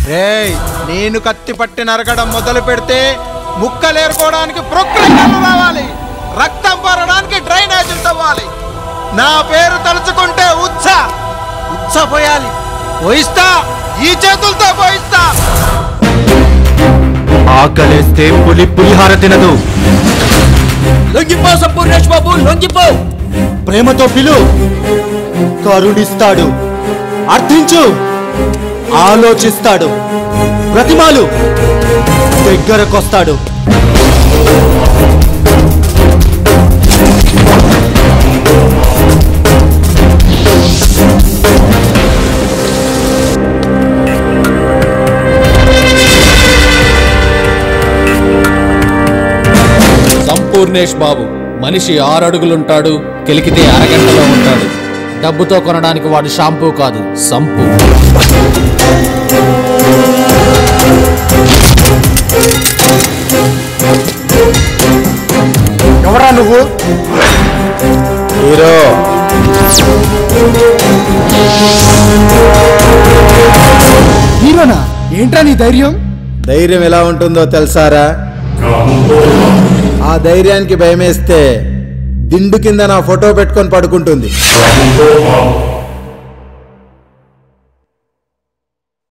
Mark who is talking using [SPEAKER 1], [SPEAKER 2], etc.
[SPEAKER 1] రేయ్, నేను కత్తి పట్టి నరకడం మొదలు పెడితే ముక్కలేరుకోవడానికి ప్రొక్రియలు రావాలి, రక్తం పారడానికి డ్రైనేజీలు తవ్వాలి. నా పేరు తలుచుకుంటే ఉచ్చ పోయాలి. పోయిస్తా, ఈ చేతులతో పోయిస్తా.
[SPEAKER 2] ఆకలేస్తే పులిహార తినదు.
[SPEAKER 3] లొంగిపో సంపూర్ణేష్ బాబు, లొంగిపో.
[SPEAKER 2] ప్రేమతో పిలు, కరుణిస్తాడు. అర్థించు, ఆలోచిస్తాడు. ప్రతిమాలు, దగ్గరకొస్తాడు.
[SPEAKER 3] సంపూర్ణేష్ బాబు మనిషి 6 అడుగులుంటాడు, కెలికితే అరగంటలో ఉంటాడు. డబ్బుతో కొనడానికి వాడు షాంపూ కాదు, సంపు.
[SPEAKER 2] ఎవరా నువ్వు? హీరో.
[SPEAKER 4] హీరోనా? ఏంట్రా నీ ధైర్యం?
[SPEAKER 1] ధైర్యం ఎలా ఉంటుందో తెలుసారా? ఆ ధైర్యానికి భయమేస్తే దిండు కింద నా ఫోటో పెట్టుకొని పడుకుంటుంది.